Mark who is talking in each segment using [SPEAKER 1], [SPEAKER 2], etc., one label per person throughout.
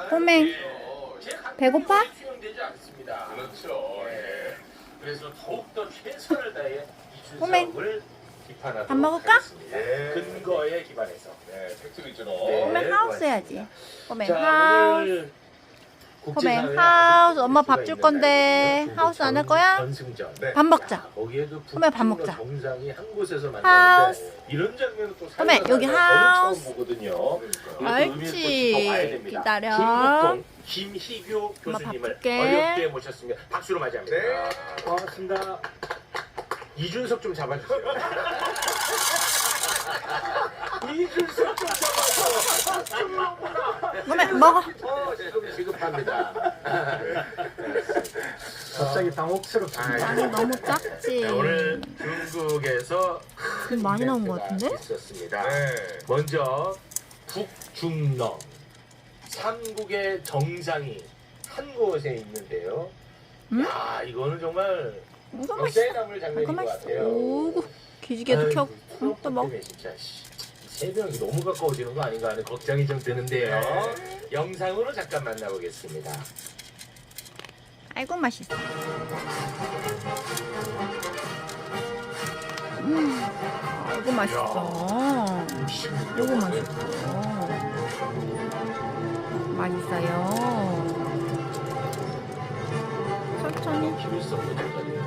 [SPEAKER 1] 꼬맹 배고파?
[SPEAKER 2] 수용되지 않습니다. 그렇죠. 예. 그래서 더욱더 최선을 다해
[SPEAKER 1] 꼬맹.
[SPEAKER 2] 이준석을 비판하도록
[SPEAKER 1] 밥 먹을까?
[SPEAKER 2] 하겠습니다.
[SPEAKER 3] 네.
[SPEAKER 2] 근거에 기반해서.
[SPEAKER 3] 네, 팩트로 있죠.
[SPEAKER 2] 네.
[SPEAKER 1] 꼬맹 하우스 해야지. 꼬맹
[SPEAKER 2] 자,
[SPEAKER 1] 하우스.
[SPEAKER 2] 오늘
[SPEAKER 1] 꼬맹
[SPEAKER 2] 국제사회에
[SPEAKER 1] 하우스.
[SPEAKER 2] 아주
[SPEAKER 1] 엄마
[SPEAKER 2] 수가
[SPEAKER 1] 밥 줄
[SPEAKER 2] 있는
[SPEAKER 1] 건데
[SPEAKER 2] 날이거든요.
[SPEAKER 1] 하우스 안 할 거야?
[SPEAKER 2] 전승전.
[SPEAKER 3] 네.
[SPEAKER 1] 밥 먹자.
[SPEAKER 2] 거기에 그
[SPEAKER 1] 꼬맹 밥 먹자.
[SPEAKER 2] 정상이 한 곳에서
[SPEAKER 1] 하우스.
[SPEAKER 2] 만나는데 이런 장면은 또
[SPEAKER 1] 꼬맹,
[SPEAKER 2] 살다
[SPEAKER 1] 여기
[SPEAKER 2] 살다 저는
[SPEAKER 1] 하우스.
[SPEAKER 2] 처음 보거든요.
[SPEAKER 1] 옳지. 기다려.
[SPEAKER 2] 김국동, 김희교
[SPEAKER 1] 엄마
[SPEAKER 2] 교수님을
[SPEAKER 1] 밥 줄게.
[SPEAKER 2] 어렵게 모셨습니다. 박수로 맞이합니다.
[SPEAKER 3] 네.
[SPEAKER 2] 고맙습니다. 이준석 좀 잡아주세요. 이준석 좀 잡아줘.
[SPEAKER 1] 꼬맹 먹어.
[SPEAKER 2] 좀 지급합니다.
[SPEAKER 4] 갑자기 당혹스럽습니다.
[SPEAKER 1] 많이 너무 작지.
[SPEAKER 2] 네, 오늘 중국에서
[SPEAKER 1] 좀 많이 나온 것 같은데?
[SPEAKER 2] 있었습니다.
[SPEAKER 3] 네.
[SPEAKER 2] 먼저 북중러 삼국의 정상이 한 곳에 있는데요.
[SPEAKER 1] 음?
[SPEAKER 2] 야, 이거는 정말
[SPEAKER 1] 이거 맛있어.
[SPEAKER 2] 역사에 남을 장면인
[SPEAKER 1] 이거
[SPEAKER 2] 것
[SPEAKER 1] 맛있어.
[SPEAKER 2] 같아요.
[SPEAKER 1] 오구 기지개도
[SPEAKER 2] 아이고,
[SPEAKER 1] 켜고. 응, 또 먹.
[SPEAKER 2] 때문에 진짜 세 명이 너무 가까워지는 거 아닌가 하는 걱정이 좀 드는데요. 영상으로 잠깐 만나보겠습니다.
[SPEAKER 1] 아이고 맛있어. 아이고 맛있어. 이거 맛있어. 맛있어요. 천천히.
[SPEAKER 2] 필요성 조절이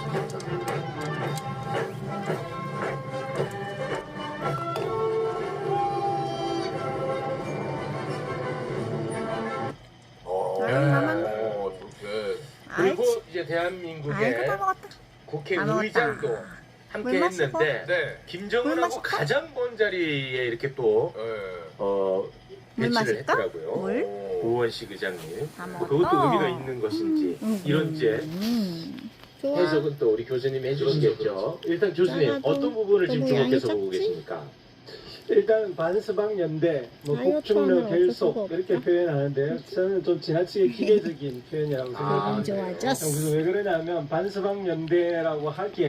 [SPEAKER 3] 좋게.
[SPEAKER 2] 그리고
[SPEAKER 1] 아이치.
[SPEAKER 2] 이제
[SPEAKER 1] 아이고
[SPEAKER 2] 대한민국의
[SPEAKER 1] 다 먹었다.
[SPEAKER 2] 국회의장도
[SPEAKER 1] 물
[SPEAKER 2] 함께
[SPEAKER 1] 마시고.
[SPEAKER 2] 했는데
[SPEAKER 3] 네.
[SPEAKER 2] 김정은하고
[SPEAKER 1] 마실까?
[SPEAKER 2] 가장 먼 자리에 이렇게 또
[SPEAKER 3] 네.
[SPEAKER 1] 물
[SPEAKER 2] 배치를
[SPEAKER 1] 마실까?
[SPEAKER 2] 했더라고요.
[SPEAKER 1] 물?
[SPEAKER 2] 고원식 의장님.
[SPEAKER 1] 다
[SPEAKER 2] 뭐
[SPEAKER 1] 먹었다.
[SPEAKER 2] 그것도 의미가 있는 것인지 이런 이제
[SPEAKER 1] 좋아.
[SPEAKER 2] 해석은 또 우리 교수님이 해주시겠죠. 일단 교수님
[SPEAKER 1] 나도
[SPEAKER 2] 어떤 부분을 지금
[SPEAKER 1] 너무 양이
[SPEAKER 2] 주목해서 보고
[SPEAKER 1] 작지?
[SPEAKER 2] 계십니까?
[SPEAKER 4] 일단 반스방 연대, 뭐
[SPEAKER 1] 다이어트
[SPEAKER 4] 북중러
[SPEAKER 1] 하면 어쩔 수가
[SPEAKER 4] 결속
[SPEAKER 1] 없다.
[SPEAKER 4] 이렇게 표현하는데요. 저는 좀 지나치게 기계적인 표현이라고
[SPEAKER 1] 안
[SPEAKER 4] 생각합니다.
[SPEAKER 1] 좋아졌어.
[SPEAKER 4] 그래서 왜 그러냐면 반스방 연대라고 하기에